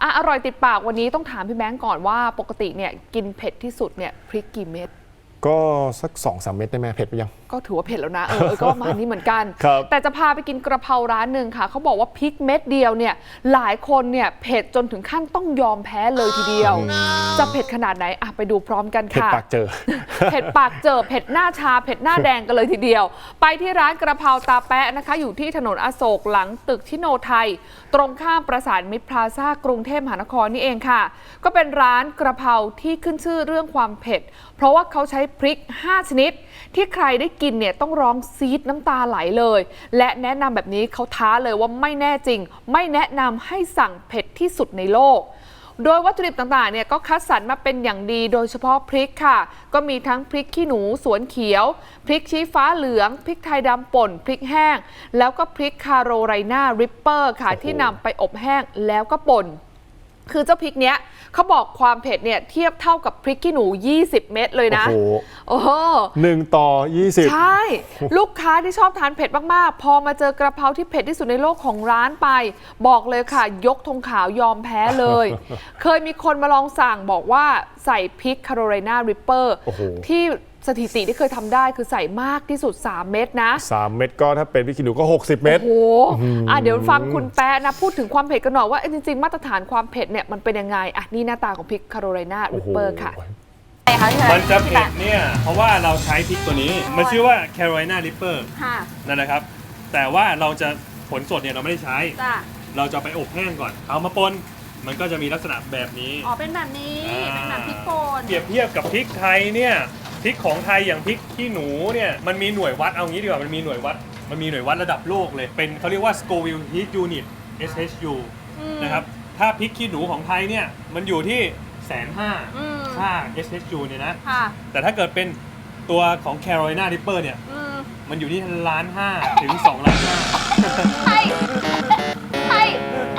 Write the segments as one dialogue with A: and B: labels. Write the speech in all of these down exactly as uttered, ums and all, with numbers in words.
A: อ่ะอร่อยติดปากวันนี้ต้องถามพี่แบงก์ก่อนว่าปกติเนี่ยกินเผ็ดที่สุดเนี่ยพริกกี่เม็ด
B: ก็สัก สองถึงสาม เม็ดได้ไหมเผ็ดไปยัง
A: ก็ถือว่าเผ็ดแล้วนะเออก็ประมาณนี้เหมือนกันแต่จะพาไปกินกระเพราร้านหนึ่งค่ะเขาบอกว่าพริกเม็ดเดียวเนี่ยหลายคนเนี่ยเผ็ดจนถึงขั้นต้องยอมแพ้เลยทีเดียวจะเผ็ดขนาดไหนอ่ะไปดูพร้อมกันค่ะ
B: เผ็ดปากเจอ
A: เผ็ดปากเจอเผ็ดหน้าชาเผ็ดหน้าแดงกันเลยทีเดียวไปที่ร้านกระเพราตาแปะนะคะอยู่ที่ถนนอโศกหลังตึกชิโนไทยตรงข้ามประสานมิตรพลาซ่ากรุงเทพมหานครนี่เองค่ะก็เป็นร้านกระเพราที่ขึ้นชื่อเรื่องความเผ็ดเพราะว่าเขาใช้พริกห้าชนิดที่ใครได้กินเนี่ยต้องร้องซีดน้ำตาไหลเลยและแนะนำแบบนี้เขาท้าเลยว่าไม่แน่จริงไม่แนะนำให้สั่งเผ็ดที่สุดในโลกโดยวัตถุดิบต่างๆเนี่ยก็คัดสรรมาเป็นอย่างดีโดยเฉพาะพริกค่ะก็มีทั้งพริกขี้หนูสวนเขียวพริกชี้ฟ้าเหลืองพริกไทยดำป่นพริกแห้งแล้วก็พริกคาโรไรนาริปเปอร์ค่ะที่นำไปอบแห้งแล้วก็ป่นคือเจ้าพริกเนี้ยเขาบอกความเผ็ดเนี่ยเทียบเท่ากับพริกขี้หนูยี่สิบเม็ดเลยนะโอ้โห
B: หนึ่งต่อยี่สิบ
A: ใช่ลูกค้าที่ชอบทานเผ็ดมากๆพอมาเจอกระเพราที่เผ็ดที่สุดในโลกของร้านไปบอกเลยค่ะยกธงขาวยอมแพ้เลยเคยมีคนมาลองสั่งบอกว่าใส่พริกคาโรไรนาริปเปอร์ที่สถิติที่เคยทำได้คือใส่มากที่สุดสามเม็ดนะ
B: สามเม็ดก็ถ้าเป็นพริกขี้หนูก็หกสิบเม็ด
A: โอ้โหอ่ะเดี๋ยวฟังคุณแป๊ะนะพูดถึงความเผ็ดกันหน่อยว่าจริงๆมาตรฐานความเผ็ดเนี่ยมันเป็นยังไงอ่ะนี่หน้าตาของพริกคาโรไรนาริปเปอร์ค่ะ
C: มันจะเผ็ดเนี่ยเพราะว่าเราใช้พริกตัวนี้มันชื่อว่า Carolina Reaper นั่นนะครับแต่ว่าเราจะผลสดเนี่ยเราไม่ได้ใช้เราจะไปอบแห้งก่อนเอามาปนมันก็จะมีลักษณะแบบนี้
D: อ๋อเป็นแบบนี้เป็นแบบพริกป่น
C: เปรียบเทียบกับพริกไทยเนี่ยพริกของไทยอย่างพริกขี้หนูเนี่ยมันมีหน่วยวัดเอางี้ดีกว่ามันมีหน่วยวัดมันมีหน่วยวัดระดับโลกเลยเป็นเขาเรียกว่า Scoville Heat Unit เอส เอช ยู นะครับถ้าพริกขี้หนูของไทยเนี่ยมันอยู่ที่แสนห้าค่า เอส เอช ยู เนี่ยนะแต่ถ้าเกิดเป็นตัวของ Carolina Reaper เนี่ยมันอยู่ที่ล้านห้าถึงสองล้านห้า
D: ใช่ใช่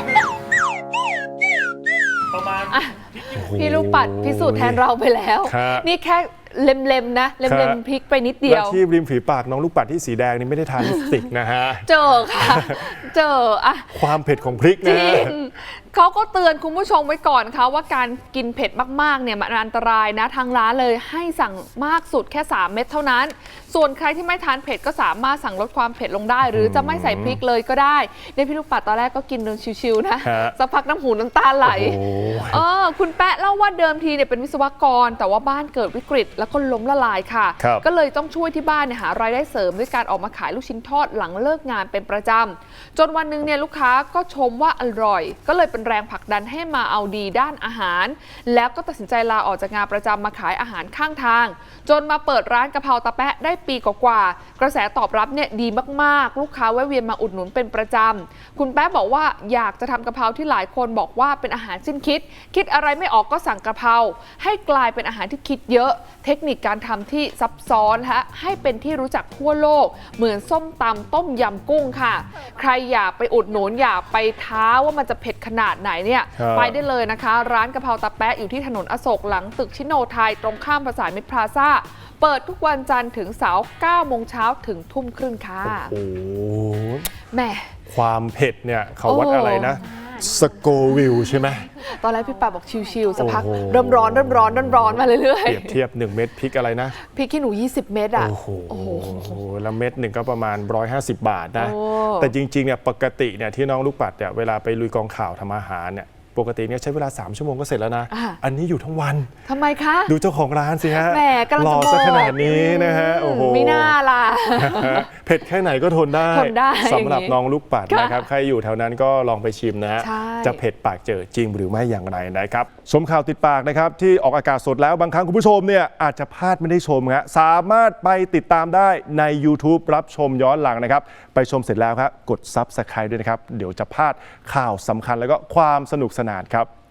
C: ประมาณ
A: พี่ลูกปัดพิสูจน์แทนเราไปแล้วนี่แค่เล็มๆนะเล็มๆพริกไปนิดเดียว
B: และที่ริมฝีปากน้องลูกปัดที่สีแดงนี่ไม่ได้ทานลิปสติกนะฮะ
A: เจอค่ะเจออะ
B: ความเผ็ดของพริกนะ
A: เขาก็เตือนคุณผู้ชมไว้ก่อนค่ะว่าการกินเผ็ดมากๆเนี่ยมันอันตรายนะทางร้านเลยให้สั่งมากสุดแค่สามเม็ดเท่านั้นส่วนใครที่ไม่ทานเผ็ดก็สามารถสั่งลดความเผ็ดลงได้หรือจะไม่ใส่พริกเลยก็ได้เนี่ยพี่ลูกปัดตอนแรกก็กินเดินชิวๆนะสักพักน้ำหูน้ำตาไหลเออคุณแปะเล่าว่าเดิมทีเนี่ยเป็นวิศวกรแต่ว่าบ้านเกิดวิกฤตแล้วก็ล้มละลายค่ะก็เลยต้องช่วยที่บ้านเนี่ยหารายได้เสริมด้วยการออกมาขายลูกชิ้นทอดหลังเลิกงานเป็นประจำจนวันนึงเนี่ยลูกค้าก็ชมว่าอร่อยก็เลยเป็นแรงผลักดันให้มาเอาดีด้านอาหารแล้วก็ตัดสินใจลาออกจากงานประจำมาขายอาหารข้างทางจนมาเปิดร้านกะเพราตาแปะได้ปีกว่าๆกระแสตอบรับเนี่ยดีมากๆลูกค้าแวะเวียนมาอุดหนุนเป็นประจำคุณแป๊ะบอกว่าอยากจะทำกะเพราที่หลายคนบอกว่าเป็นอาหารสิ้นคิดคิดอะไรไม่ออกก็สั่งกะเพราให้กลายเป็นอาหารที่คิดเยอะเทคนิคการทำที่ซับซ้อนฮะให้เป็นที่รู้จักทั่วโลกเหมือนส้มตำต้มยำกุ้งค่ะใครอยากไปอุดหนุนอยากไปท้าว่ามันจะเผ็ดขนาดไหนเนี่ยไปได้เลยนะคะร้านกะเพราตาแปะอยู่ที่ถนนอโศกหลังตึกชิโนไทยตรงข้ามประสานมิตรพลาซ่าเปิดทุกวันจันทร์ถึงเสาร์เก้าโมงเช้าถึงทุ่มครึ่งค่ะ
B: โอ้โห
A: แม่
B: ความเผ็ดเนี่ยเขาวัดอะไรนะสโกวิลใช่ไหม
A: ตอนแรกพี่ป่าบอกชิวๆสักพักเริ่มร้อนเริ่มร้อนเริ่มร้อนมาเรื่อย
B: ๆเปรียบเทียบหนึ่งเม็ดพริกอะไรนะ
A: พริกขี้หนูยี่สิบเม็ดอ่ะ
B: โอ้โหแล้วเม็ดหนึ่งก็ประมาณหนึ่งร้อยห้าสิบบาทนะแต่จริงๆเนี่ยปกติเนี่ยที่น้องลูกปัดเนี่ยเวลาไปลุยกองข่าวทำอาหารเนี่ยปกติเนี่ยใช้เวลาสามชั่วโมงก็เสร็จแล้วนะอันนี้อยู่ทั้งวัน
A: ทำไมคะ
B: ดูเจ้าของร้านสิฮะ
A: แหมกำลังจะ
B: รอซะขนาดนี้นะฮะโอ้โห
A: ไม่น่าล่ะ
B: เผ็ดแค่ไหนก็ทนได้สำหรับน้องลูกปัดนะครับใครอยู่แถวนั้นก็ลองไปชิมนะฮะจะเผ็ดปากเจอจริงหรือไม่อย่างไรนะครับชมข่าวติดปากนะครับที่ออกอากาศสดแล้วบางครั้งคุณผู้ชมเนี่ยอาจจะพลาดไม่ได้ชมฮะสามารถไปติดตามได้ใน YouTube รับชมย้อนหลังนะครับไปชมเสร็จแล้วครับกด ซับสไครบ์ ด้วยนะครับเดี๋ยวจะพลาดข่าวสำคัญแล้วก็ความสนุกสนานครับ